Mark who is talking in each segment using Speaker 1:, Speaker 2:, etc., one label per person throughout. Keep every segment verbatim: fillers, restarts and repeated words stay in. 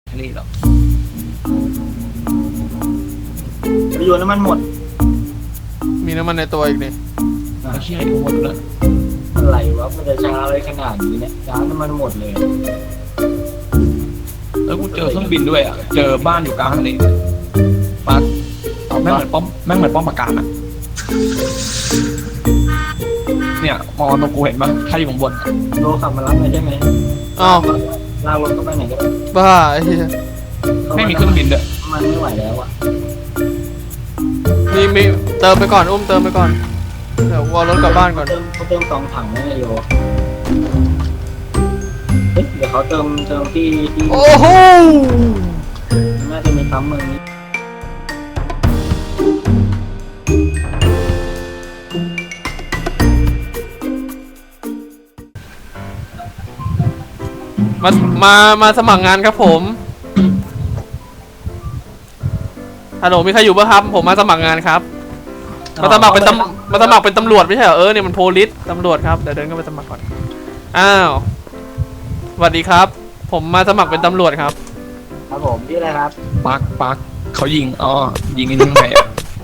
Speaker 1: นี่หรอก
Speaker 2: ไปโยนน้ำมันหมด
Speaker 3: มีน้ำมันในตัวอีกนี่
Speaker 1: ไม่ใช่กูหมดแล้ว
Speaker 2: อะไรวะมันจะช้าอะไรขนาดนี้เนี่ยช้าน้ำมันหมดเลย
Speaker 1: แล้วกูเจอเครื่องบินด้วยอ่ะเจอบ้านอยู่กลางทะเลปักแม่งเหมือนป้อมแม่งเหมือนป้อมปราการอ่ะเนี่ยมองตรงกูเห็นปะถ้าอยู่ข้างบน
Speaker 2: โลขับมารับเลยใช่ไหม
Speaker 3: อ้าว
Speaker 2: ลากรถเข้าไปไหนก็ได้
Speaker 3: บ้าไอ้เหี้ย
Speaker 1: ไม่มีเครื่องบินด้วย
Speaker 2: มันไม่ไหวแล้วอ่ะ
Speaker 3: มีมีเติมไปก่อนอุ้มเติมไปก่อนเดี๋ยววอลรถกลับบ้านก่อน
Speaker 2: เติมเขาเติมสองถังนะโยเฮ้ยเดี๋ยวเขาเติมเติมที่ที่
Speaker 3: โอ้โห
Speaker 2: น่าจะมีปั๊มเมืองนี้
Speaker 3: มามามาสมัครงานครับผมฮัลโหลมีใครอยู่ป่ะครับผมมาสมัครงานครับมาสมัครเป็นตำมาสมัครเป็นตำรวจไม่ใช่เหรอเออเนี่ยมันโพลิสตำรวจครับเดี๋ยวเดินเข้าไปสมัครก่อนอ้าวสวัสดีครับผมมาสมัครเป็นตำรวจครับ
Speaker 2: ครับผมที่อะไรครับ
Speaker 1: ปักปักเขายิงอ๋อยิงกันยังไงอ่ะ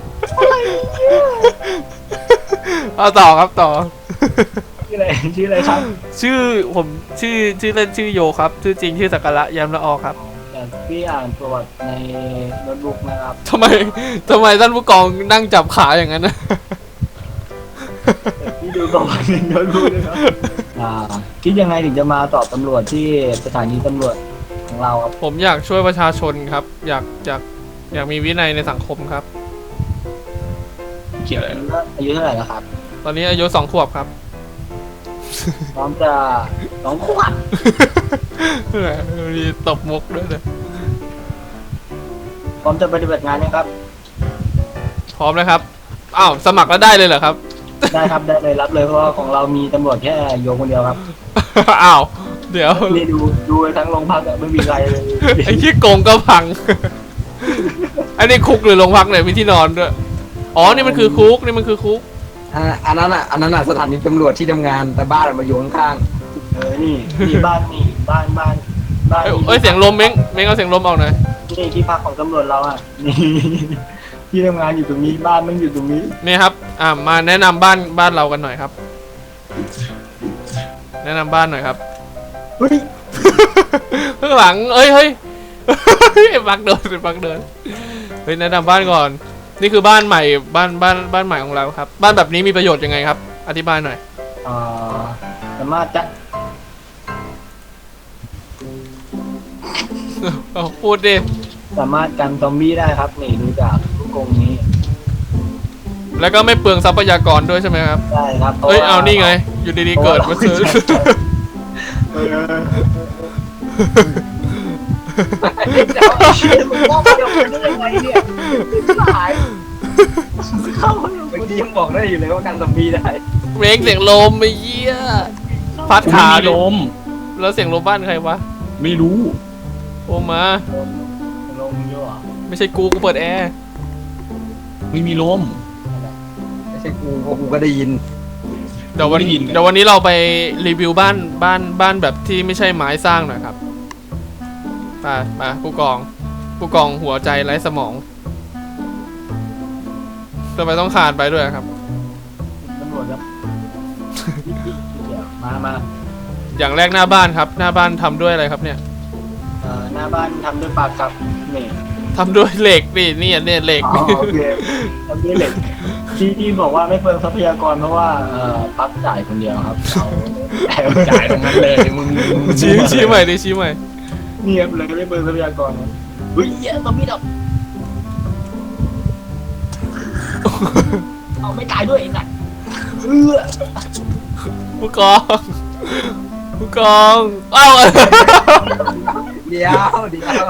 Speaker 3: เอาต่อครับต่อ
Speaker 2: ชื่ออะไรชื่ออะไรครับ
Speaker 3: ชื่อผมชื่อชื่อเล่นชื่อโยครับชื่อจริงชื่อสักการะยามละออครับ
Speaker 2: พี่อ่านประวัติในโน้ตบุ๊กนะครับ
Speaker 3: ทำไมทำไมท่านผู้กองนั่งจับขาอย่างนั้นนะ
Speaker 2: พี่ดูประวัติในโน้ตบุ๊กเลยครับอ่าคิดยังไงถึงจะมาสอบตำรวจที่สถานีตำรวจของเราครับ
Speaker 3: ผมอยากช่วยประชาชนครับอยากอยากอยากมีวินัยในสังคมครับ
Speaker 1: เกี่ยวอะไร
Speaker 2: อายุเท่าไหร่แล้วครับ
Speaker 3: ตอนนี้อายุสองขวบครับ
Speaker 2: พร้อมจะสองขวบ
Speaker 3: มีตบมุกด้วยเลย
Speaker 2: พร้อมจะปฏิบัติงานนะครับ
Speaker 3: พร้อมแล้วครับอ้าวสมัครแล้วได้เลยเหรอครับ
Speaker 2: ได้ครับได้เลยรับเลยเพราะว่าของเรามีตำรวจแค่โยงคนเดียวครับ
Speaker 3: อ้าวเดี๋ยว
Speaker 2: นี่ดูดูทั้งโรงพักไม่มีใครเลย
Speaker 3: ไอ้ที่โกงก็พังไอ้นี่คุกหรือโรงพักเนี่ยมีที่นอนด้วยอ๋อนี่มันคือคุกนี่มันคือคุก
Speaker 4: อันนั้นอ่ะอันนั้นอ่ะสถานีตำรวจที่ทำงานแต่บ้านมาอยู่ข้าง
Speaker 2: ๆเออนี่นี่บ้านนี่บ้านบ้าน
Speaker 3: บ้านเอ้ยเสียงลมเม้งเม้งเอาเสียงลมออกหน่อย
Speaker 2: นี่ที่พักของตำรวจเราอ่ะนี่ที่ทำงานอยู่ตรงนี้บ้านมันอยู่ตรงนี้
Speaker 3: นี่ครับอ่ามาแนะนำบ้านบ้านเรากันหน่อยครับแนะนำบ้านหน่อยครับ
Speaker 2: เฮ้ย
Speaker 3: ข้างหลังเอ้ยเฮ้ยบักเดินบักเดินเฮ้ยแนะนำบ้านก่อนนี่คือบ้านใหม่บ้านบ้านบ้านใหม่ของเราครับบ้านแบบนี้มีประโยชน์ยังไงครับอธิบายหน่อย
Speaker 2: อ่าสามารถจะ
Speaker 3: พูดดิ
Speaker 2: สามารถกันซอมบี้ได้ครับนี่ดูจากลูกกรงนี้
Speaker 3: แล้วก็ไม่เปลืองทรัพยากรด้วยใช่ไหมครับ
Speaker 2: ใช่ครับ
Speaker 3: เฮ้ยเอานี่ไงอยู่ดีๆเกิดมาซื้อ
Speaker 2: เดี๋ยวเชี่ยมึงมองเดี๋ยวมันยังไงเนี่ยหายเข้าเมื่อกี้ยังบอกได้อยู่เลยว่ากันซอมบี้ได้
Speaker 3: เบรกเสียงลมไม่เยี่ยพัดขา
Speaker 1: ลม
Speaker 3: แล้วเสียงลมบ้านใครวะ
Speaker 1: ไม่รู้
Speaker 3: โอมา
Speaker 2: ลมเยอะ
Speaker 3: ไม่ใช่กูกูเปิดแอร์
Speaker 1: ไม่มีลม
Speaker 4: ไม่ใช่กูเพราะกูก็ได้ยิน
Speaker 3: เดี๋ยววันนี้เดี๋ยววันนี้เราไปรีวิวบ้านบ้านบ้านแบบที่ไม่ใช่ไม้สร้างหน่อยครับไปไปผู้กองผู้กองหัวใจไร้สมองทำไมต้องขาดไปด้วยครับ
Speaker 2: ตำรวจครับมามา
Speaker 3: อย่างแรกหน้าบ้านครับหน้าบ้านทำด้วยอะไรครับเนี่ย
Speaker 2: เอ่อหน้าบ้านทำด้วยปากครับนี่
Speaker 3: ทำด้วยเหล็กนี่นี่เนี่ยเหล็ก
Speaker 2: โอเคทำด้วยเหล็กที่ที่บอกว่าไม่เปลืองทรัพยากรเพราะว่าเอ่อพักจ่ายคนเดียวครับ
Speaker 1: เราจ่ายตรงนั้นเลยมึง
Speaker 3: ชี้ชี้ใหม่ดิชี้ใหม่
Speaker 2: เงียบเลยไม่เปลืองทรัพยากรเฮ้ยเยอะซอมบี้ดับเอาไม่ตายด้วยไอ้สัตว์เออ
Speaker 3: ผู้กองผู้กองเอ้า
Speaker 4: เดี๋ยวเดี๋ยว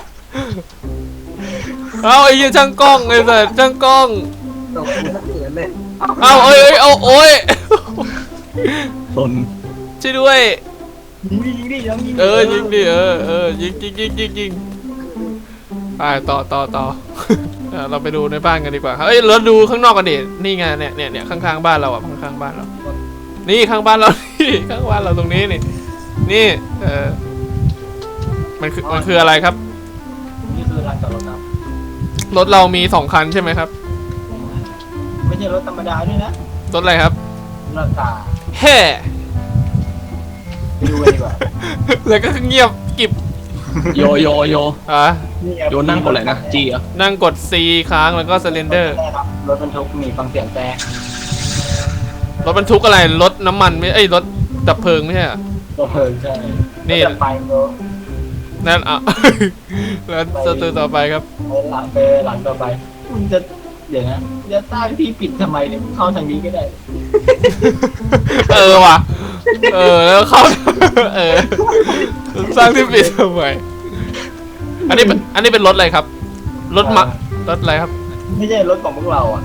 Speaker 3: เอาไอ้ยี่ช่างกล้องไอ้สัตว์ช่างกล้อง
Speaker 4: ตกหัวเสือเลย
Speaker 3: เอาเอ้ยเอาโอ้ย
Speaker 1: สน
Speaker 3: ช่วยด้วย
Speaker 2: ยิงดิยิงดิยิง
Speaker 3: เออยิงดิเออเออยิงยิงยิงยิงยิงไปต่อต่อต่อเราไปดูในบ้านกันดีกว่าเฮ้ยเราดูข้างนอกกันดินี่ไงเนี่ยเนี่ยเนี่ยข้างๆบ้านเราอ่ะข้างๆบ้านเรานี่ข้างบ้านเรานี่ข้างบ้านเราตรงนี้นี่นี่เออมันคือมันคืออะไรครับ
Speaker 2: นี่คือลานจอดรถครับ
Speaker 3: รถเรามีสองคันใช่ไหมครับ
Speaker 2: ไม่ใช่รถธรรมดาด้วยนะ
Speaker 3: รถอะไรครับ
Speaker 2: รถกา
Speaker 3: แฮ่
Speaker 2: ไปดูกันดีกว่า
Speaker 3: แล้วก็เงียบกิบ
Speaker 1: โยโยโย
Speaker 3: อ่ะ
Speaker 2: นี่ไง
Speaker 1: โยนั่งกดอะไรนะจีเหรอ
Speaker 3: นั่งกด C ค้างแล้วก็ Surrender
Speaker 2: ครับรถบรรทุกมีฟังเสียงแต่
Speaker 3: รถบรรทุกอะไร รถน้ำมันไม่เอ้ยรถดับเพลิงไม่ใช่เหรอ
Speaker 2: รถเพลิงใช่
Speaker 3: นี่
Speaker 2: จะไปโ
Speaker 3: นั่นอ่ะ แล้วสตูต่อไปครับ
Speaker 2: ไปหลังไปหลังต่อไปมึงจะเดี๋ยวนะจะตั้งที่ปิดทำไมเนี่ยมึงเข้าทางนี้ก็ได้
Speaker 3: เออว่ะ เออแล้วเข้า เออสร้างที่ปิดทำไมอันนี้เป็นอันนี้เป็นรถอะไรครับ รถมะรถอะไรครับ
Speaker 2: ไม่ใช่รถของพวกเราอ่ะ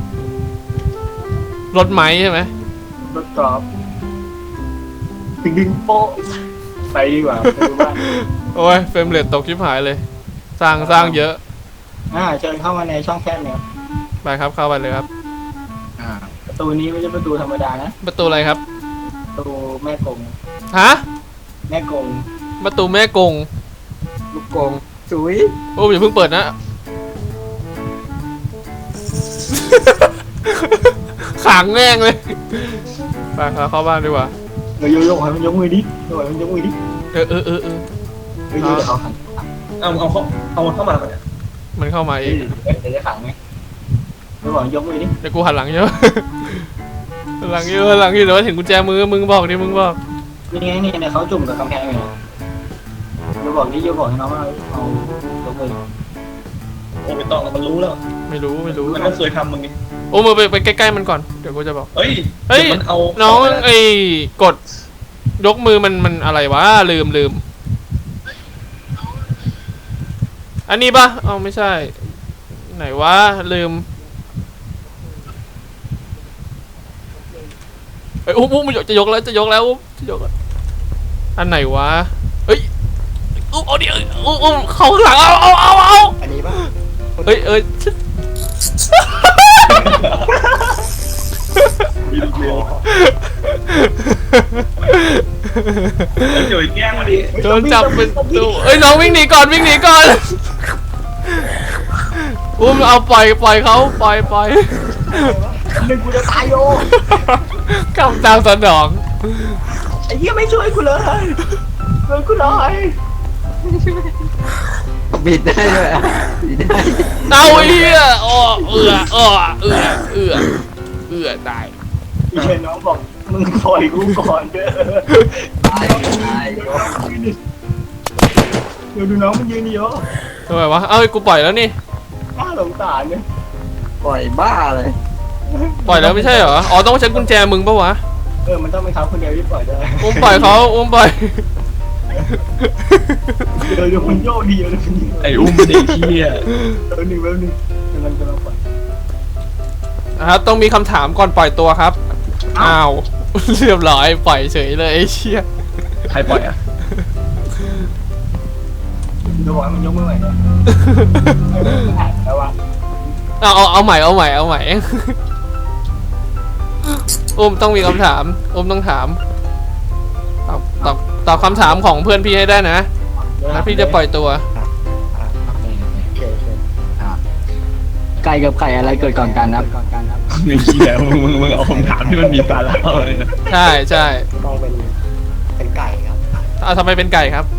Speaker 3: รถไม้ใช่ไหม
Speaker 2: รถกอล์ฟดึงดึงโป๊ะไปดีกว่าไปดูบ้าน
Speaker 3: โอ้ยเฟรมเรทตกชิบหายเลย สร้างสร้างเยอะ
Speaker 2: อ่าเชิญเข้ามาในช่องแคบเนี่ย
Speaker 3: ไปครับเข้าไปเลยครับ
Speaker 1: อ่า
Speaker 2: ประตูนี้ไม่ใช่ประตูธรรมดานะ
Speaker 3: ประตูอะไรครับ
Speaker 2: ประตูแม่กง
Speaker 3: ฮะ
Speaker 2: แม่กง
Speaker 3: ประตูแม่กง
Speaker 4: ลูกกงสุย
Speaker 3: โอ้ยอย่าเพิ่งเปิดนะ ขังแม่งเลยไปครับเข้าบ้านดีกว่า
Speaker 2: เดี๋ยวโยโย่ให้มันยกมือดิโยให้มันยกมือดิ
Speaker 3: เออเออเออเออ
Speaker 2: เดี๋ยวโยเดี๋ยวเขาขัง
Speaker 1: เอาเอาเขาเอาเข้ามาก่อนเนี่ย
Speaker 3: มันเข้ามาเอง
Speaker 2: เดี๋ยวจะขังไหมเดี๋ยวบอกยกมือดิ
Speaker 3: เดี๋ยวกูหันหลังเยอะ หันหลังเยอะหันหลังเยอะเดี๋ยวเห็นกุญแจมือมึงบอกดิมึงบอก
Speaker 2: นี่ไงนี่เนี่ยเขาจุ่มกับกำแพงอยู่นะโยบอกดิโยบอกให้น้องว่าเอายกมือ
Speaker 1: โอ้ไม่ต้องมันรู้แล้ว
Speaker 3: ไม่รู้ไม่รู้
Speaker 1: มันก็เคยทำมึงไง
Speaker 3: โอ้มือไปไปใกล้ๆมันก่อนเดี๋ยวกูจะบอก
Speaker 1: เฮ้ย
Speaker 3: เฮ้ย
Speaker 1: ดี๋วมันเอา
Speaker 3: น้อง
Speaker 1: เข้าไปแล้ว
Speaker 3: ไอ้กดยกมือมันมันอะไรวะลืมลืมอันนี้ปะเอ้าไม่ใช่ ไหนวะลืมเอ้ยอุ้มอุ้มมันจะยกแล้วจะยกแล้วอุ้มจะยกแล้วอันไหนวะเฮ้ยอุ้มเอาดิอุ้มอุ้มเข้าข้างหลังเอาเอาเอาเอา
Speaker 2: อันนี้ป่ะ
Speaker 3: เฮ้ยเอ้ย
Speaker 1: มีลูกเลี้ยงเดี๋ยวแกล้งมาดิ
Speaker 3: โดนจับเป็นตัวเอ้ยน้องวิ่งหนีก่อนวิ่งหนีก่อนอุ้มเอาปล่อยปล่อยเขาปล่อยปล่อย
Speaker 2: หนึ่งกูจะตายโย
Speaker 3: กำตามสนอง
Speaker 2: ไอ้เหี้ยไม่ช่วยกูเลยช่วยกูหน่อย
Speaker 4: บิดได้ด้วยอะบิดได้
Speaker 3: เอาไอ้เหี้ยอ้อเอืออ้อเอือเอือเอือตาย
Speaker 2: พี่เชนน้องบอกมึงปล่อยกูก่อนเด้อ
Speaker 4: ตายตาย
Speaker 2: เดี๋ยวดูน้องมันยืนดิโย
Speaker 3: ทำไมวะเอ้ากูปล่อยแล้วนี่
Speaker 2: น่าสงสารเนี่ย
Speaker 4: ปล่อยบ้าเลย
Speaker 3: ปล่อยแล้วไม่ใช่เหรออ๋อต้องใช้กุญแจมึงปะวะ
Speaker 2: เออมันต้องเป็นเขาคนเดียวที่ปล่อยได้
Speaker 3: อุ้มปล่อยเขาอุ้มปล่อย
Speaker 2: เดี๋ยวเดี๋ยวมันโยกดีเดี๋ยวมันโยก
Speaker 1: ไอ้อุ้มเด็กเที่ย
Speaker 2: เดี๋ยวหนึ่งแป๊บนึงกำลังกำลังปล่อย
Speaker 3: นะครับต้องมีคำถามก่อนปล่อยตัวครับอ้าวเรียบร้อยปล่อยเฉยเลยไอ้เชี่ย
Speaker 1: ใครปล่อยอ่ะ
Speaker 2: เดี๋ยวบอกให้มันยกมือใหม่นะแล้ววะ
Speaker 3: เอาเอาเอาใหม่เอาใหม่เอาใหม่ อุ้มต้องมีคำถามอุ้มต้องถามตอบตอบตอบคำถามของเพื่อนพี่ให้ได้นะแล้วพี่จะปล่อยตัว
Speaker 4: ไก่กับไข่อะไรเกิดก่อนกันครับ
Speaker 1: ไอ้เหี้ยมึงมึงมึงเอาคำถามที่มันมีสาระเลยนะ
Speaker 3: ใช่ใช่
Speaker 2: ต้องเป็นเป็นไก่ครับ
Speaker 3: เอาทำไมเป็นไก่ครับ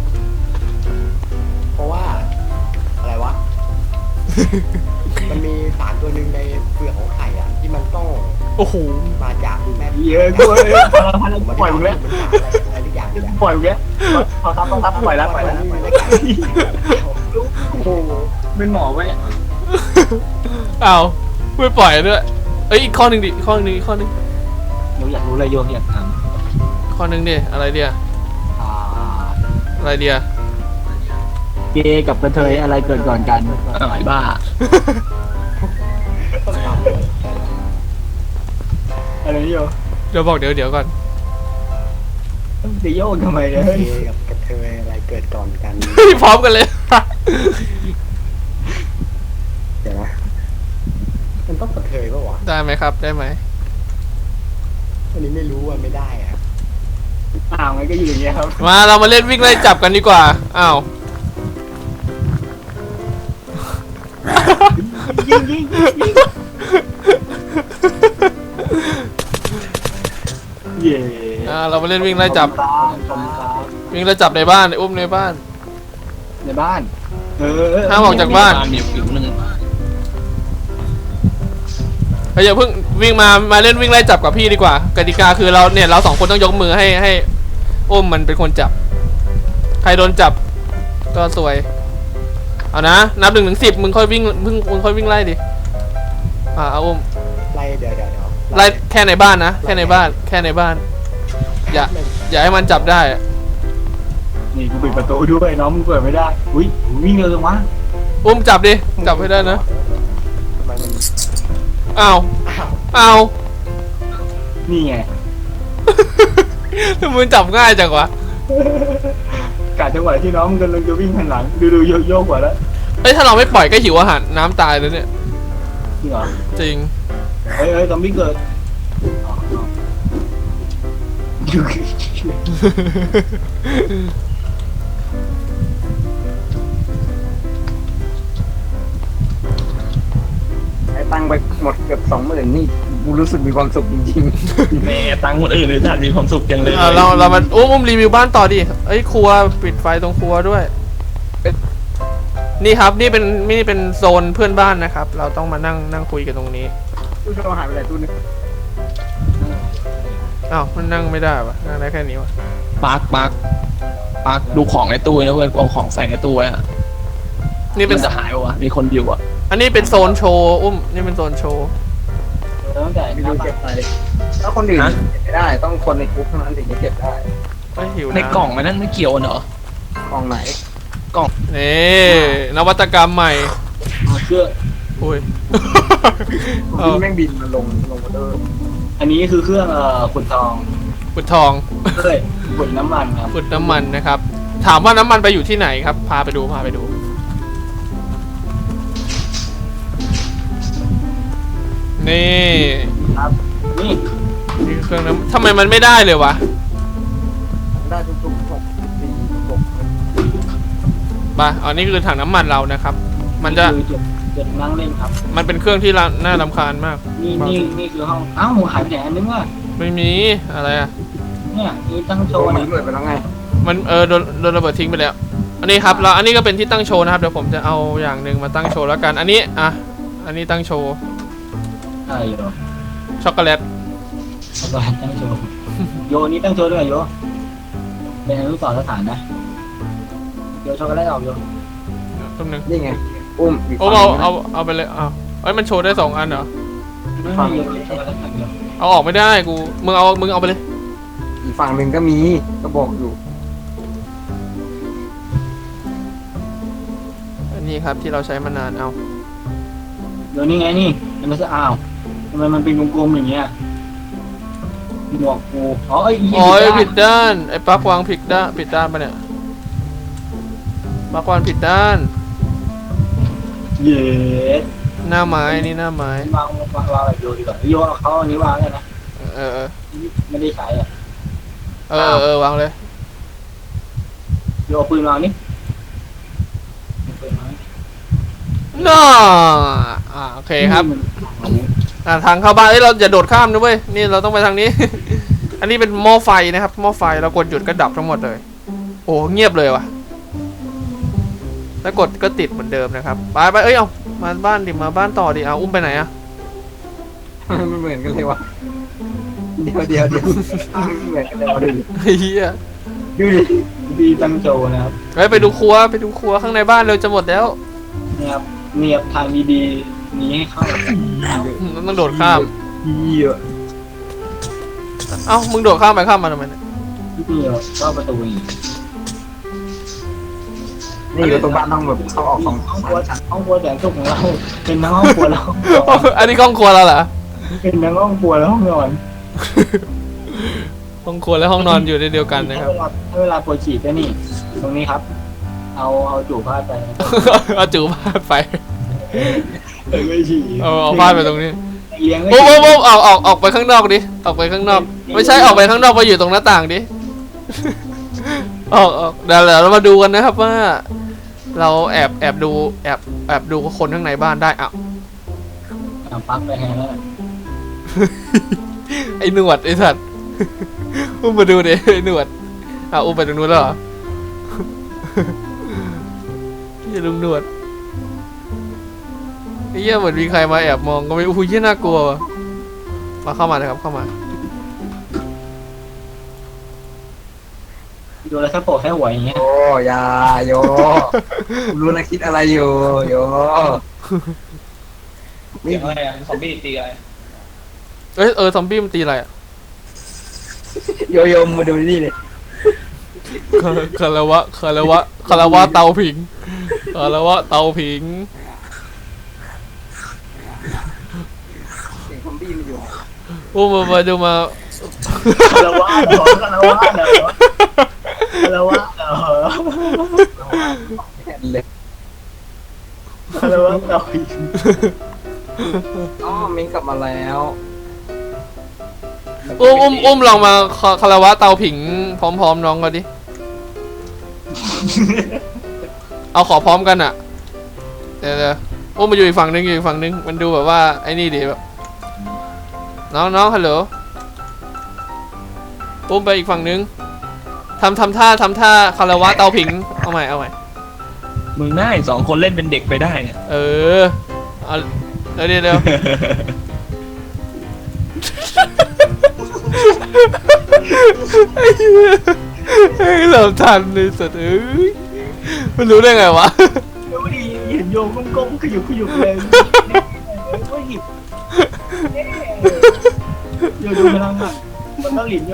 Speaker 5: เพราะว่าอะไรวะ มันมีสารตัวหนึ่งในเปลือกของไข่อะที่มันต้อง
Speaker 3: โอ้โห
Speaker 5: มาจากแม่
Speaker 2: เยอะกูเลยพลังพลัง
Speaker 5: ผม
Speaker 2: ปล่อยมึงแล้ว
Speaker 5: มันสารอะไรอะไรทุกอย่างเนี่ย
Speaker 2: ปล่อยมึงแล้วพอทับพอทับปล่อยแล้วปล่อยแล้วปล่อยแล้วโอ้โหเป็นหมอไว้
Speaker 3: เอาไม่ปล่อยด้วยเอ้ยอีกข้อหนึ่งดิอีกข้อหนึ่งอีกข้อหนึ่ง
Speaker 2: โยอยากรู้เลยโยอยากถาม
Speaker 3: ข้อหนึ่งดิอะไรเดีย
Speaker 2: อ่า
Speaker 3: อะไรเดีย
Speaker 4: เกย์กับกระเทยอะไรเกิดก่อนกัน
Speaker 1: อ้าวไอ้บ้า
Speaker 2: อะไรนี่โย
Speaker 3: เดี๋ยวบอกเดี๋ยวเดี๋ยวก่อน
Speaker 2: จะโยกทำไมเนี่ย
Speaker 5: เกย์กับกระเทยอะไรเกิดก่อนกัน
Speaker 3: พร้อมกันเลย
Speaker 5: เดี๋ยวนะ มันต้องกระเทยปะวะ
Speaker 3: ได้ไหมครับได้ไหม
Speaker 5: อันนี้ไม่รู้ว่าไม่ได้อะ
Speaker 2: อ้าวงั้นก็อยู่อย่างเงี้ยครับ
Speaker 3: มาเรามาเล่นวิ่งไล่จับกันดีกว่าอ้าว
Speaker 2: ยิงยิงยิงเย่
Speaker 3: อ่าเรามาเล่นวิ่งไล่จับ
Speaker 2: ครับขอบคุณครับ
Speaker 3: วิ่งไล่จับในบ้านอุ้มในบ้าน
Speaker 2: ในบ้าน เออ
Speaker 3: ห้ามออกจากบ้าน
Speaker 1: มีผิวหนึ่ง
Speaker 3: เฮ้ยอย่าเพิ่งวิ่งมามาเล่นวิ่งไล่จับกับพี่ดีกว่ากติกาคือเราเนี่ยเราสองคนต้องยกมือให้ให้อุ้มมันเป็นคนจับใครโดนจับก็สวยเอานะนับหนึ่งถึงสิบมึงค่อยวิ่งมึงมึงค่อยวิ่งไล่ดิอ่าเอาอุ้ม
Speaker 5: ไล่เดี๋ยวเดี๋ยวเดี๋ยว
Speaker 3: ไล่แค่ในบ้านนะแค่ในบ้านแค่ในบ้านอย่าอย่าให้มันจับได้
Speaker 2: นี่กูปิดประตูด้วยน้องมึงเปิดไม่ได้อุ้ยวิ่งเร็วจังวะ
Speaker 3: อุ้มจับดิจับให้ได้นะ
Speaker 5: ทำไมมัน
Speaker 3: อ้าว
Speaker 5: อ้าว
Speaker 3: อ้าว
Speaker 2: นี่ไง
Speaker 3: ทำไมมึงจับง่ายจังวะ
Speaker 2: กะจังหวะที่น้องมึงกำลังจะวิ่งหันหลังดูดูโยกโยกกว่าแล้ว
Speaker 3: เอ้ยถ้าเราไม่ปล่อยก็หิวอาหารน้ำตายแล้วเนี่ย
Speaker 2: จริงเหรอ
Speaker 3: จริง
Speaker 2: เฮ้ยเฮ้ยซอมบี้เกิดอ๋ออ๋อไอ้ตังค์ไปหมดเกือบสองหมื่นนี่กูรู้สึกมีความสุขจริง
Speaker 1: แม่ตังค์คนอื่นเลยจัดมีความสุขจังเลย
Speaker 3: อ่ะเราเรามาอุ้มอุ้มรีวิวบ้านต่อดิเอ้ยครัวปิดไฟตรงครัวด้วยนี่ครับนี่เป็นนี่เป็นโซนเพื่อนบ้านนะครับ เราต้องมานั่งนั่งคุยกันตรงนี้
Speaker 2: ๆตู้โทรหายไปไหนตู้นึง
Speaker 3: อ้าวมันนั่งไม่ได้ปะนั่งได้แค่นี้วะ
Speaker 1: ปาร์คปาร์คปาร์คดูของในตู้นะเพื่อนเอาของใส่ในตู้ไว้อะ
Speaker 3: นี่เป็น
Speaker 1: มันจะหายวะมีคนอยู่อะ
Speaker 3: อันนี้เป็นโซนโชว์อุ้มนี่เป็นโซนโชว์
Speaker 2: ตั้งแต่ไม่รู้เก็บไปถ้าคนอื่นเก็บไม่ได้ ต้องคนในกรุ๊ปเท่านั้นถึงจะเก็บได้
Speaker 3: เอ้ยหิว
Speaker 1: ใน
Speaker 3: น้ำ
Speaker 1: กล่องมันนั่นไม่เกี่ยวกันเหรอก
Speaker 2: ล่องไหน
Speaker 3: นี่นวัตกรรมใหม่
Speaker 2: อ๋อเครื่อง
Speaker 3: อุ้ย
Speaker 2: บินแม่งบินมาลงลงมาเดิมอันนี้คือเครื่องเอ่อขุดทอง
Speaker 3: ขุดทอง
Speaker 2: เอ้ยขุดน้ำมันครับ
Speaker 3: ขุดน้ำมันนะครับ ถามว่าน้ำมันไปอยู่ที่ไหนครับ พาไปดูพาไปดู นี่
Speaker 2: ครับนี่
Speaker 3: นี่คือเครื่องน้ำทำไมมันไม่ได้เลยวะ
Speaker 2: ได้ทุกๆหกสี่หก
Speaker 3: มาอันนี้คือถังน้ำมันเรานะครับ มันจะ
Speaker 2: คือจุดจุดนั่งเล่นครับ
Speaker 3: มันเป็นเครื่องที่ละน่ารำคาญมาก
Speaker 2: นี่นี่นี่คือห้องอ้าวหายไปไหนอันนึงว่ะ
Speaker 3: ไม่มีอะไรอ่ะ
Speaker 2: เนี่ยนี่ตั้งโชว์นี้เลยไปแล้วไง
Speaker 3: มันเออโดนโดนระเบิดทิ้งไปแล้ว อันนี้ครับแล้วอันนี้ก็เป็นที่ตั้งโชว์นะครับ เดี๋ยวผมจะเอาอย่างหนึ่งมาตั้งโชว์แล้วกัน อันนี้อ่ะ อันนี้ตั้งโชว์
Speaker 2: ใช่เหรอ
Speaker 3: ช็อกโกแลต
Speaker 2: เอาไปตั้งโชว์โยนี่ตั้งโชว์ด้วยโยเป็นอนุสรณ์สถานนะโยช็อกโกแลตออกโย
Speaker 3: ต้นหนึ่ง
Speaker 2: นี่ไงอุ้ม
Speaker 3: โอ้เอาเอาเอาไปเลยเอาเอ้ยมันโชว์ได้สองอันเหรอ
Speaker 2: ไม่ไม่โยช็อกโกแลตอย่างเดียว
Speaker 3: เอาออกไม่ได้กูมึงเอามึงเอาไปเลย
Speaker 2: อีกฝั่งหนึ่งก็มีก็บอกอยู่
Speaker 3: อันนี้ครับที่เราใช้มานานเอา
Speaker 2: เดี๋ยวนี้ไงนี่มันไม่ใช่อ้าวทำไมมันเป็นกลมๆอย่างเงี้ยหมวกกูอ๋อไอ้
Speaker 3: อ๋อผิดด้านไอ้ปลั๊กวางผิดด้านผิดด้านปะเนี่ยปลั๊กวางผิดด้าน
Speaker 2: เย็ด
Speaker 3: หน้าไม้นี่หน้าไม้
Speaker 2: วางวางวางแบบโยดีกว่าโยเอาเขาอันนี้วางเลยนะ
Speaker 3: เออเออ
Speaker 2: ไม่ได้ใช้อ่ะ
Speaker 3: เออเออวางเลย
Speaker 2: โยเอาปืนวางนี่เอาปืนวาง
Speaker 3: น่าอ่าโอเคครับอ่าทางเข้าบ้านเอ้ยเราอย่าโดดข้ามนะเว้ยนี่เราต้องไปทางนี้ อันนี้เป็นหม้อไฟนะครับหม้อไฟเรากดหยุดก็ดับทั้งหมดเลยโอ้เงียบเลยว่ะแล้วกดก็ติดเหมือนเดิมนะครับไปไปเอ้ยเอามาบ้านดิมาบ้านต่อดิเอาอุ้มไปไหนอะ
Speaker 2: มันเหมือนกันเลยวะเดี๋ยวเดี๋ยวเดี๋ยวเหมือนกันเลยวะดูดิ
Speaker 3: เฮีย
Speaker 2: ดูดิดีตั้งโจนะครับ
Speaker 3: เฮ้ยไปดูครัวไปดูครัวข้างในบ้านเร็วจะหมดแล้ว
Speaker 2: เนี่ยครับเนี่ยทางดีๆนี้ให้เข้า
Speaker 3: ต้องโดดข้าม
Speaker 2: เยอะ
Speaker 3: เอ้ามึงโดดข้ามไปข้ามมาทำไมเนี่ย
Speaker 2: นี่เหรอก็ประตูอีกนี่ประตูบ้านต้องแบบเข้าออกของห้องครัวห้องครัวแสนสุขของเราเป็นทั้งห้องครัวแล้ว
Speaker 3: อันนี้ห้องครัวเราเหรอ
Speaker 2: เป็นทั้งห้องครัวแล้วห้องนอน
Speaker 3: ห้องครัวและห้องนอนอยู่ในเดียวกันนะครับ
Speaker 2: เวลาเวลาปวดฉี่ก็นี่ ตรงนี้ครับ เอาเอาจู่ผ้าไป
Speaker 3: เอาจูพาดไป
Speaker 2: เออไม่ฉี่
Speaker 3: เอาเอาพาดไปตรงนี้
Speaker 2: เลี้ยง
Speaker 3: โอ้โหโอ้โหออกออกออกไปข้างนอกดิออกไปข้างนอก ไม่ใช่ออกไปข้างนอกไปอยู่ตรงหน้าต่างดิออกออกเดี๋ยวเรามาดูกันนะครับว่า เราแอบแอบดูแอบแอบดูคนข้างในบ้านได้อ่ะ
Speaker 2: เอาปลั๊กไปแฮงแล้ว
Speaker 3: ไอ้หนวดไอ้สัตว์ อุ้มมาดูดิไอ้หนวดอ่ะอุ้มไปตรงนู้นแล้วเหรอ อย่าลุงหนวดไอ้เหี้ยเหมือนมีใครมาแอบมองก็ไม่อุ้ยเหี้ยน่ากลัวว่ะมาเข้ามาเลยครับเข้ามา
Speaker 2: ดูแล้วแค่โปะแค่หัวอย่างเงี้ย
Speaker 4: โอ้ยาโยรู้นะคิดอะไรอยู่โย
Speaker 1: เสียงอะไรอ่ะซอมบี้ตีอะไร
Speaker 3: เอ้ยเออซอมบี้มันตีอะไรอ่ะ
Speaker 4: โยโยมาดูนี่เลย
Speaker 3: คาคารวะคารวะคารวะเตาผิงคารวะเตาผิง
Speaker 4: เสียงซอมบี้มันอยู่
Speaker 3: อุ้มมามาดูมา
Speaker 2: คารวะเหรอคารวะเหรอคารวะเหรอ
Speaker 4: แค่เลย
Speaker 2: คารวะเหรอ
Speaker 4: อ๋อมิงกลับมาแล้ว
Speaker 3: อุ้มอุ้มอุ้มลองมาคาคารวะเตาผิงพร้อมๆน้องกันดิ เอาขอพร้อมกันอ่ะ เดี๋ยวเดี๋ยวอุ้มมาอยู่อีกฝั่งนึงอยู่อีกฝั่งนึงมันดูแบบว่าไอ้นี่ดิแบบน้องน้องฮัลโหลอุ้มไปอีกฝั่งนึงทำทำท่าทำท่าคารวะเตาผิงเอาใหม่เอาใหม่
Speaker 1: มึงง่ายสองคนเล่นเป็นเด็กไปได้เนี่ย
Speaker 3: เออเอาเดี๋ยวเดี๋ยวเดี๋ยว ไอ้เหล่าทันเลยสัตว์เอ้ยมันรู้ได้ไงวะ
Speaker 2: ดูดิเห็นโยมก้มๆขยุกขยุกเลยก็หยิบโยดูพลังอ่ะมันต้องหลินโย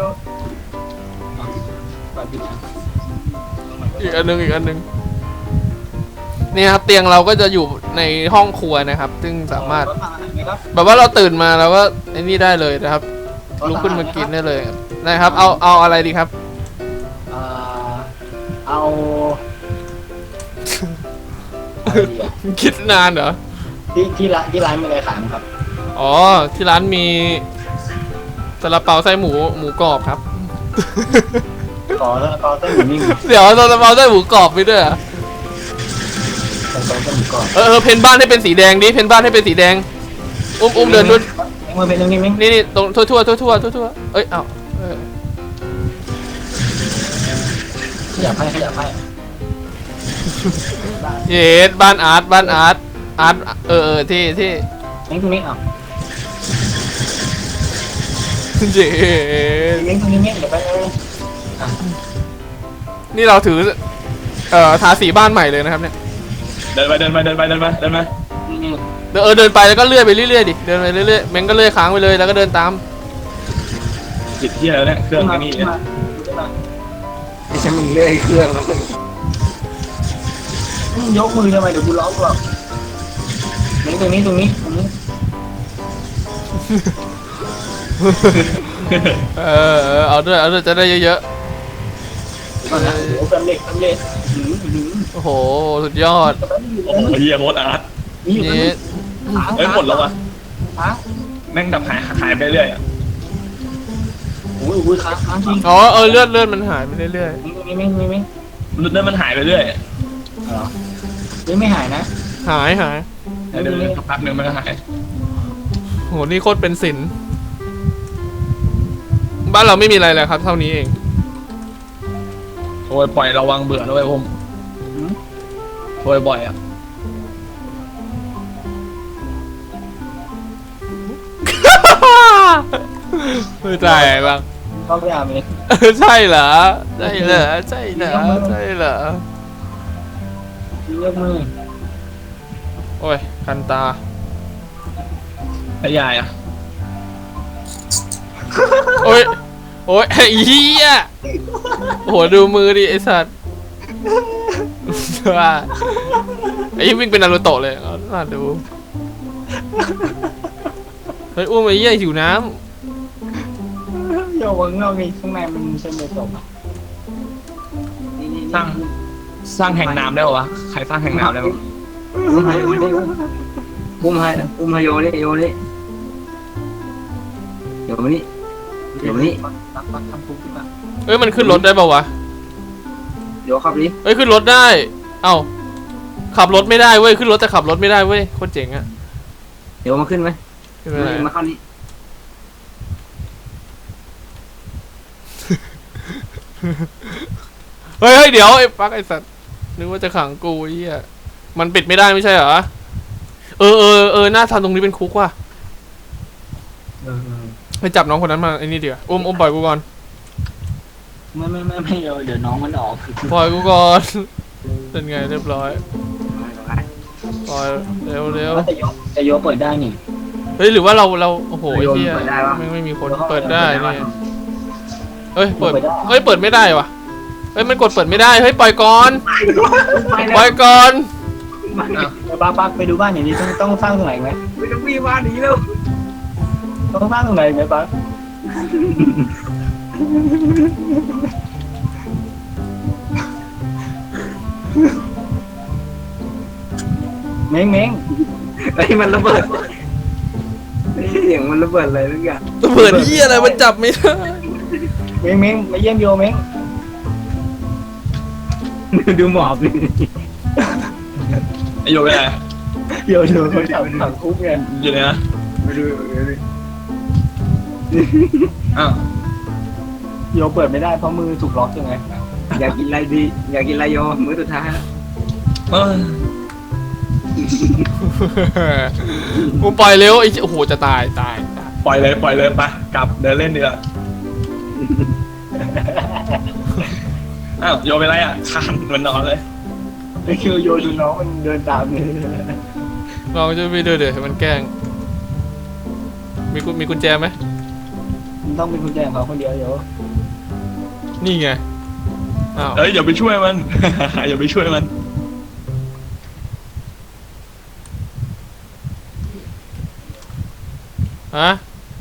Speaker 3: อีกอันหนึงอีกอันหนึงเนี่ยครับเตียงเราก็จะอยู่ในห้องครัวนะครับ ซึ่งสามารถแบบว่าเราตื่นมาเราก็ไอ้นี่ได้เลยนะครับลุกขึ้นมากินได้เลยนะครับ เอาเอาอะไรดีครับ
Speaker 2: อ่าเอา
Speaker 3: คิดนานเหรอ
Speaker 2: ที่ที่ร้านที่ร้านมีอะไรขายมั้งครับ
Speaker 3: อ๋อที่ร้านมีซาลาเปาไส้หมูหมูกรอบครับ
Speaker 2: ขอแล้วก็เต้นหมูนิ่ง
Speaker 3: เดี๋ยวซาลาเปาไส้หมูกรอบไปด้วยเหรอ
Speaker 2: ขอเต้นหมูกรอบ
Speaker 3: เออเออเพนบ้านให้เป็นสีแดงดิเพนบ้านให้เป็นสีแดงอุ้มอุ้มเดินด้วย
Speaker 2: มือเป็นนิ่งนิ่ง
Speaker 3: นี่นี่ตรงทั่วทั่วทั่วทั่วทั่วทั่วเอ้ยเอ้าเออ
Speaker 2: ขยับให้ขยับให้
Speaker 3: เย็ดบ้านอาร์ตบ้านอาร์ตอาร์ตเออเออที่ที่
Speaker 2: นิ่งตรงนี้อ่ะ
Speaker 3: เย็ด
Speaker 2: นิ่งตรงนี้นิ่งเดี๋ยวไปเลย
Speaker 3: นี่เราถือเอ่อทาสีบ้านใหม่เลยนะครับเนี่ย
Speaker 1: เดินไปเดินไปเดินไปเดินไปเดินไป
Speaker 3: เดินเออเดินไปแล้วก็เลื่อยไปเรื่อยๆดิเดินไปเรื่อยๆแม่งก็เลื่อยค้างไปเลยแล้วก็เดินตาม
Speaker 1: จิตที่แล้วเนี่ยเครื่องไอ้นี่เนี่ย
Speaker 4: ไอ้ฉันมึงเลื่อยเครื่องแล้วมึง
Speaker 2: ยกมือทำไมเดี๋ยวกูร้องหรอกนิ่งตรงนี้ตรงนี้ตรงนี้
Speaker 3: เออเออเอาด้วยเอาด้วยจะได้เยอะ
Speaker 2: ก่อนนะเดี๋ยวสำเร็จสำเร็จหืมหืม
Speaker 3: ๆโอ้โหสุดยอด
Speaker 1: โอ้โหเฮียโคตรอาร์ต
Speaker 2: นี่อยู่ตรง
Speaker 3: นี่
Speaker 2: นี้
Speaker 1: เอ้ยหมดแล้ววะ
Speaker 2: ค้าง
Speaker 1: แม่งดับหายหายไปเรื่อยอ่ะ
Speaker 2: อุ้ยอุ้ยค้างค้างจริง
Speaker 3: อ๋อเออเลือดเลือดมันหายไปเรื่อย
Speaker 2: นิ่งตรงนี้ไม่ไม่ไม่
Speaker 1: เนื้อมันหายไปเรื่อย
Speaker 2: เหรอยังไม่หายนะ
Speaker 3: ๆหายหาย
Speaker 1: เดี๋ยวเดี๋ยวสักพักหนึ่งมันก็หาย
Speaker 3: โหนี่โคตรเป็นศิลป์บ้านเราไม่มีอะไรเลยครับ เท่านี้เอง
Speaker 1: โอ้ยปล่อยระวังเบื่อด้วยผมโอ้ยบ่อยอ่ะ
Speaker 3: ไม่ใช่บ้าง
Speaker 2: เข้าไปอาบเลย
Speaker 3: ใช่เหรอใช่เหรอใช่เหรอใช่เหรอย
Speaker 2: กมือ
Speaker 3: โอ้ยคันตา
Speaker 1: ไอ้ยายอ่ะ
Speaker 3: โอ้ยโอ้ยไอ้เหี้ยโหดูมือดิไอ้สัตว์ว่าไอ้เหี้ยวิ่งเป็นนารูโตะเลยเอาน่าดูเฮ้ยอุ้มไอ้เหี้ยหิวน้
Speaker 2: โยกข้างนอกนี่ข้างในมันเส้นเดือดตกอ่ะนี่นี่
Speaker 1: สร้างสร้างแห่งน้ำได้ปะวะใครสร้างแห่งน้ำได้ปะ
Speaker 4: อุ้มให้อุ้มให้อุ้มให้อุ้มให้โยนี่โยนี่โยนี่โยนี่
Speaker 2: ตักตักทำคุกขึ้นมา
Speaker 3: ำเอ้ยมันขึ้นรถได้ป่าวะ
Speaker 2: เดี๋ยวขับดิ
Speaker 3: เอ้ยขึ้นรถได้ เอ้าขับรถไม่ได้เว้ยขึ้นรถแต่ขับรถไม่ได้เว้ยโคตรเจ๋งอะ
Speaker 2: เดี๋ยวมาขึ้นไหม
Speaker 3: ขึ้นไปไหน
Speaker 2: มาเข้านี่
Speaker 3: เฮ้ยเฮ้ยเดี๋ยวไอ้ปักไอ้สัตว์นึกว่าจะขังกูไอ้เหี้ยมันปิดไม่ได้ไม่ใช่เหรอเออเออเออหน้าทำตรงนี้เป็นคุกว่ะไปจับน้องคนนั้นมาไอ้นี่เดี๋ยวอุ้มอุ้มปล่อยกูก่อน
Speaker 2: ไม่ไม่ไม่ไม่เดี๋ยวเดี๋ยวน้องมันออก
Speaker 3: ปล่อยกูก่อนเป็นไงเรียบร้อยปล่อยเร็วเร็ว
Speaker 2: แต่โยแต่โยเปิดได้นี่
Speaker 3: เฮ้ยหรือว่าเราเราโอ้โหไอ้
Speaker 2: โยน
Speaker 3: เหี้ย
Speaker 2: เปิดได้ปะ
Speaker 3: ไม่ไม่มีคนเปิดได้นี่เฮ้ยเปิด
Speaker 2: เปิดได้
Speaker 3: เฮ้ยเปิดไม่ได้ว่ะเฮ้ยมันกดเปิดไม่ได้เฮ้ยปล่อยก่อนปล่อยก่อน
Speaker 2: ป้าป้าไปดูบ้านอย่างนี้ต้องต้องสร้างตรงไหนไหมไปดูพี่บ้านนี้แล้วต้องสร้างตรงไหนไหมป้าเม้งเม้งไอ้มันระเบิดเสียงมันระเบิดอะไรทุกอย่าง
Speaker 3: ระเบิดเหี้ยอะไรมันจับไม่ได้
Speaker 2: เม้งเม้งมาเยี่ยมโยเม้งดูหมอบดิ
Speaker 1: ไอโยไปไหน
Speaker 2: โยโยเขาจับถังคุกไง
Speaker 1: อยู่ไหนนะ
Speaker 2: ไปดูไปดู
Speaker 1: อ้าว
Speaker 2: โยเปิดไม่ได้เพราะมือถูกล็อกยังไงอยากกินอะไรดีอยากกินอะไรโยมื้อสุดท้าย
Speaker 1: เออ
Speaker 3: กูปล่อยเร็วไอ้โอ้โหจะตายตายตาย
Speaker 1: ปล่อยเลยปล่อยเลยไปกลับเดินเล่นดีกว่าอ้าวโยไปไรอ่ะคานมันนอนเลย
Speaker 2: ไอ้คิวโยดูน้องมันเดินตามเลย
Speaker 3: ลองจะไปเดินเดี๋ยวให้มันแกล้งมีกุมีกุญแจไหม
Speaker 2: มันต้องเป็นกุญแจของเขาคนเดียวโย
Speaker 3: นี่ไงอ้าว
Speaker 1: เอ้ยอย่าไปช่วยมัน อย่าไปช่วยมัน
Speaker 3: ฮะ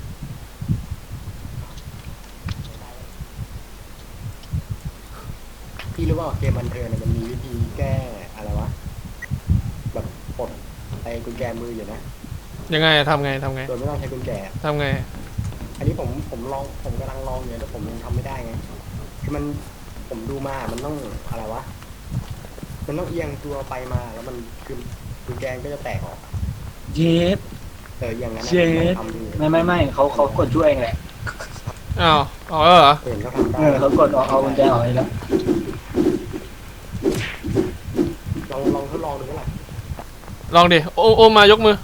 Speaker 5: พี่รู้ว่าเกมบันเทิงเนี่ยมันมีวิธีแก้อะไรวะแบบปลดไอ้กุญแจมืออยู่นะ
Speaker 3: ยังไงอะทำไงทำไง
Speaker 5: โดยไม่ต้องใช้กุญแจ
Speaker 3: ทำไง
Speaker 5: อันนี้ผมผมลองผมกำลังลองอยู่แต่ผมยังทำไม่ได้ไงคือมันผมดูมามันต้องอะไรวะมันต้องเอียงตัวไปมาแล้วมันคือกุญแจก็จะแตกออก
Speaker 2: เย็ด
Speaker 5: เอออย่างนั้นนะ
Speaker 2: เจ็ด
Speaker 5: ทำดู
Speaker 2: ไม่ไม่ไม่เขาเขากดช่วยเองแหละ
Speaker 3: อ้าวออกแล้วเหรอ
Speaker 5: เห็นก็ทำได้
Speaker 2: เออเขากดออกเอากุญแจออกให้แล้ว
Speaker 5: ลองลองทดลองดูก็ได้
Speaker 3: ลองดิโอโอมายกมือ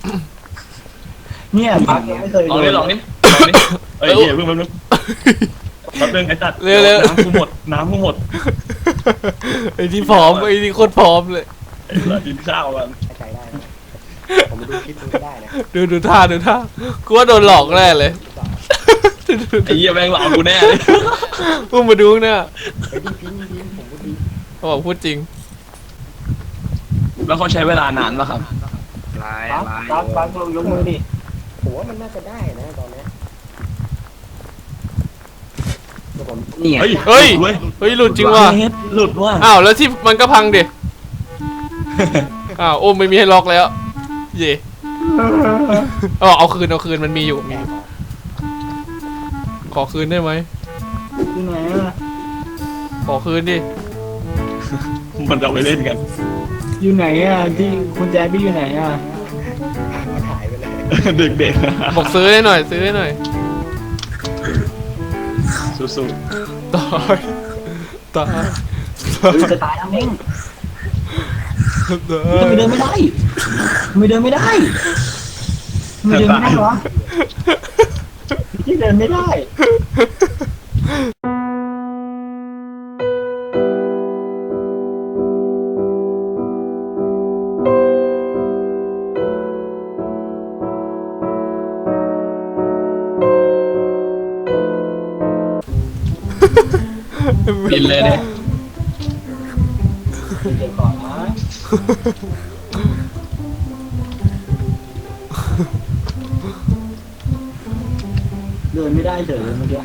Speaker 2: เนี่ยพักยังไม่เคย
Speaker 1: ลองนี่ลองนี่ลองนี่เอ้ยเดี๋ยวเพิ่งแป๊บนึงแป๊บนึงไอ้ตัด
Speaker 3: เร็วเร็ว
Speaker 1: น้ำกูหมดน้ำกูหมด
Speaker 3: ไอ้ที่พร้อมไอ้ที่โคตรพร้อมเลย
Speaker 1: ไอ้เรากินข้าวกัน
Speaker 5: ใช้ได้นะผมดูคลิปมันก็ได้นะ
Speaker 3: ดูดูท่าดูท่ากูว่าโดนหลอกแน่เลย
Speaker 1: ไอ้เหี้ยแม่งหลอกกูแน่เลย
Speaker 3: พุ่งมาดูเนี่ย
Speaker 5: ไอ้ยดีพิมพ์พิมพ์ผมก็ดี
Speaker 3: เขาบอกพูดจริง
Speaker 1: แล้วเขาใช้เวลานานป่ะครับ
Speaker 2: พักพักพักลงยกมือดิ
Speaker 5: ผมว่ามันน่าจะได้นะตอนเนี้ยเดี๋ยวผม
Speaker 2: เนี่ย
Speaker 1: เฮ้ย
Speaker 3: เฮ้ย
Speaker 1: เว้ย
Speaker 3: เฮ้ยหลุดจริงว่ะ
Speaker 1: เฮ็ดหลุดว่ะ
Speaker 3: อ้าวแล้วที่มันก็พังดิอ้าวโอ้ไม่มีให้ล็อกแล้ว เย่เอาเอาคืนเอาคืนมันมีอยู่มี
Speaker 5: แต
Speaker 3: อก ยู่
Speaker 5: ออก
Speaker 3: ขอคืนได้ไหม
Speaker 2: ที่ไหนอะ
Speaker 3: ขอคืนดิ
Speaker 1: มันจะเอาไปเล่นกัน
Speaker 2: อยู่ไหนอ่ะที่กุญแจพี่อยู่ไหนอ่ะ
Speaker 5: มันหายไปเลย
Speaker 1: เด็ก
Speaker 3: บอกซื้อให้หน่อยซื้อให้หน่อย
Speaker 1: ๆสู้
Speaker 3: ตายตาย
Speaker 2: เฮ้ยจะตายแล้วเม้ง
Speaker 3: ตา
Speaker 2: ทำไม
Speaker 3: ย
Speaker 2: เดินไม่ได้ทำไมเดินไม่ได้ทำไมเดินไม่ได้วะที่เดินไม่ได้
Speaker 1: ๆบินเลยเนี่ย
Speaker 2: เดี๋ยวก่อนนะเดินไม่ได้เฉยเมื่อกี้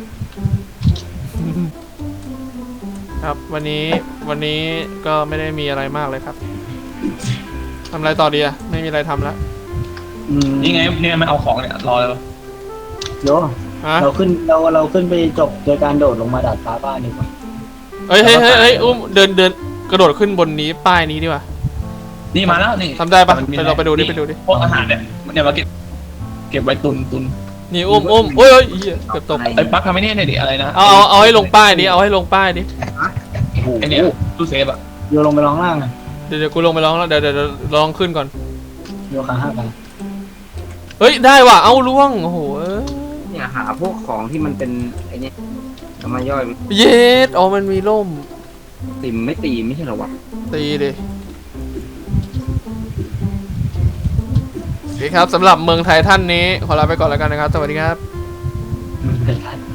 Speaker 3: ครับวันนี้วันนี้ก็ไม่ได้มีอะไรมากเลยครับทำอะไรต่อดีอะไม่มีอะไรทำแล้ว
Speaker 2: อืม
Speaker 1: นี่ไงนี่ไงมันเอาของเนี่ยรอแล้ว
Speaker 2: โย
Speaker 3: ฮะ
Speaker 6: เราขึ้นเราเราขึ้นไปจบโดยการโดดลงมาดาดฟ้าบ้านดีกว่า
Speaker 3: เฮ้ยเฮ้ยเฮ้ยเฮ้ยอุ้มเดินเดินกระโดดขึ้นบนนี้ป้ายนี้ดีกว่า
Speaker 1: นี่มาแล้วนี่
Speaker 3: ทำได้ปะ
Speaker 1: มันมี
Speaker 3: ไปเราไปดูดิไปดูดิ
Speaker 1: พวกอาหารเนี่ยเนี่ยมาเก็บเก็บไว้ตุนตุน
Speaker 3: นี่อุ้มอุ้มโอ้ยเฮ้ยเหี้ยเกือบตก
Speaker 1: ไอ้ปักทำไม่เนี่ยหน่อยดิอะไรนะ
Speaker 3: เอาเอาเอาให้ลงป้ายดิเอาให้ลงป้ายดิ
Speaker 1: ไอ้เนี่ยตู้เซฟอะ
Speaker 6: โยลงไปร้องล่างอ่ะ
Speaker 3: เดี๋ยวเดี๋ยวกูลงไปร้องแล้วเดี๋ยวเดี๋ยวเดี๋ยวลองขึ้นก่อน
Speaker 6: โยขาห้ากัน
Speaker 3: เฮ้ยได้ว่ะเอาล่วงโอ้โหเอ้ย
Speaker 4: เนี่ยหาพวกของที่มันเป็นไอ้นี่เอามาย่อย
Speaker 3: เย็ดอ๋อมันมีร่ม
Speaker 4: ติมไม่ตีไม่ใช่เหรอวะ
Speaker 3: ตีดิโอเคครับสำหรับเมืองไทยท่านนี้ขอลาไปก่อนแล้วกันนะครับสวัสดีครับ
Speaker 6: มันเป็น